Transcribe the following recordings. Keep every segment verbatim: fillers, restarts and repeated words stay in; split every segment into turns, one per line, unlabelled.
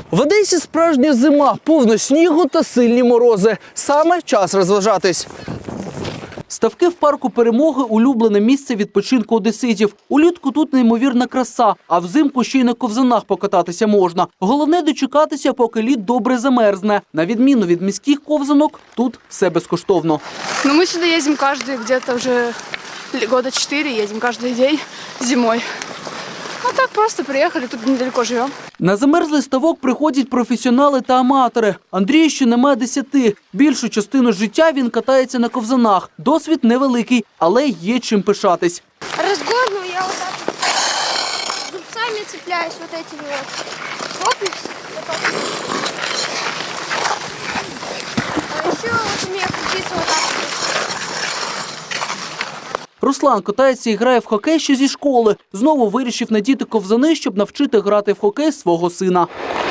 В Одесі справжня зима, повно снігу та сильні морози. Саме час розважатись. Ставки в парку Перемоги – улюблене місце відпочинку одеситів. Улітку тут неймовірна краса, а взимку ще й на ковзанах покататися можна. Головне – дочекатися, поки лід добре замерзне. На відміну від міських ковзанок, тут все безкоштовно.
Ну, мы сюда ездим каждый, где-то уже года четыре, едем каждый день зимой. А так просто приехали, тут недалеко живем.
На замерзлий ставок приходять професіонали та аматори. Андрію ще немає десяти. Більшу частину життя він катається на ковзанах. Досвід невеликий, але є чим пишатись.
Разгону я вот так вот зубцами цепляюсь вот этими вот. Хоп, и вот так. А еще вот умею крутиться вот так вот.
Руслан катається і грає в хокей ще зі школи. Знову вирішив надіти ковзани, щоб навчити грати в хокей свого сина.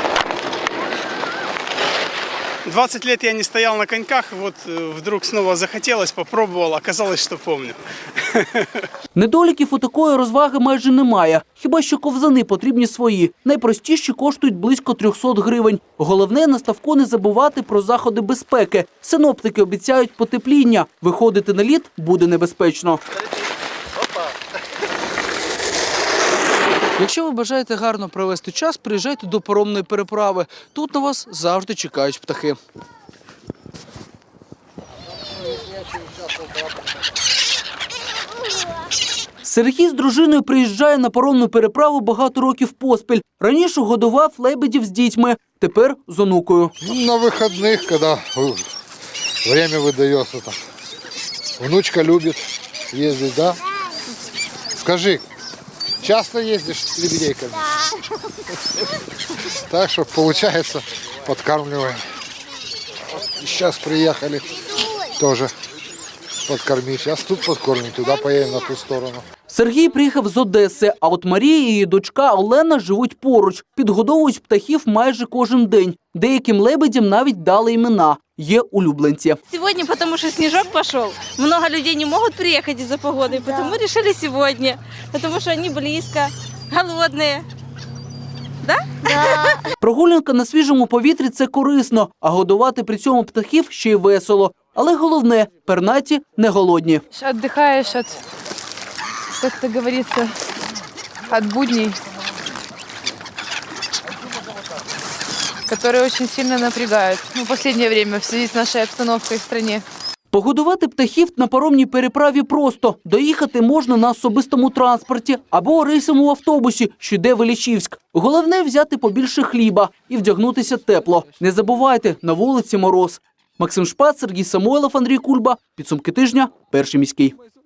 двадцать лет я не стоял на коньках, вот вдруг снова захотелось, попробовал, оказалось, что помню.
Недоліків у такої розваги майже немає. Хіба що ковзани потрібні свої. Найпростіші коштують близько трьохсот гривень. Головне, на ставку не забувати про заходи безпеки. Синоптики обіцяють потепління. Виходити на лід буде небезпечно. Якщо ви бажаєте гарно провести час, приїжджайте до паромної переправи. Тут на вас завжди чекають птахи. Сергій з дружиною приїжджає на паромну переправу багато років поспіль. Раніше годував лебедів з дітьми, тепер з онукою.
На вихідних, коли время видається. Внучка любить їздити, да? Скажи, часто їздиш з лебедейками? Да. Так що, виходить, підкармлюємо. Зараз приїхали теж подкормить. Зараз тут подкормим, туди поїдемо на ту сторону.
Сергій приїхав з Одеси, а от Марія і її дочка Олена живуть поруч. Підгодовують птахів майже кожен день. Деяким лебедям навіть дали імена. Є улюбленці.
Сегодня, потому что снежок пошел, много людей не могут приехать из-за погоды, потому решили сегодня, потому что они близко, голодные. Да?
Да.
Прогулянка на свіжому повітрі – це корисно, а годувати при цьому птахів ще й весело. Але головне – пернаті не голодні.
Отдыхаешь от, как это говорится, от будней, которые очень сильно напрягают. Ну, в последнее время в связи с нашей обстановкой в стране.
Погодувати птахів на паромній переправі просто. Доїхати можна на особистому транспорті або рейсовому автобусі, що йде в Іллічівськ. Головне – взяти побільше хліба і вдягнутися тепло. Не забувайте, на вулиці мороз. Максим Шпац, Сергій Самойлов, Андрій Кульба. Підсумки тижня. Перший міський.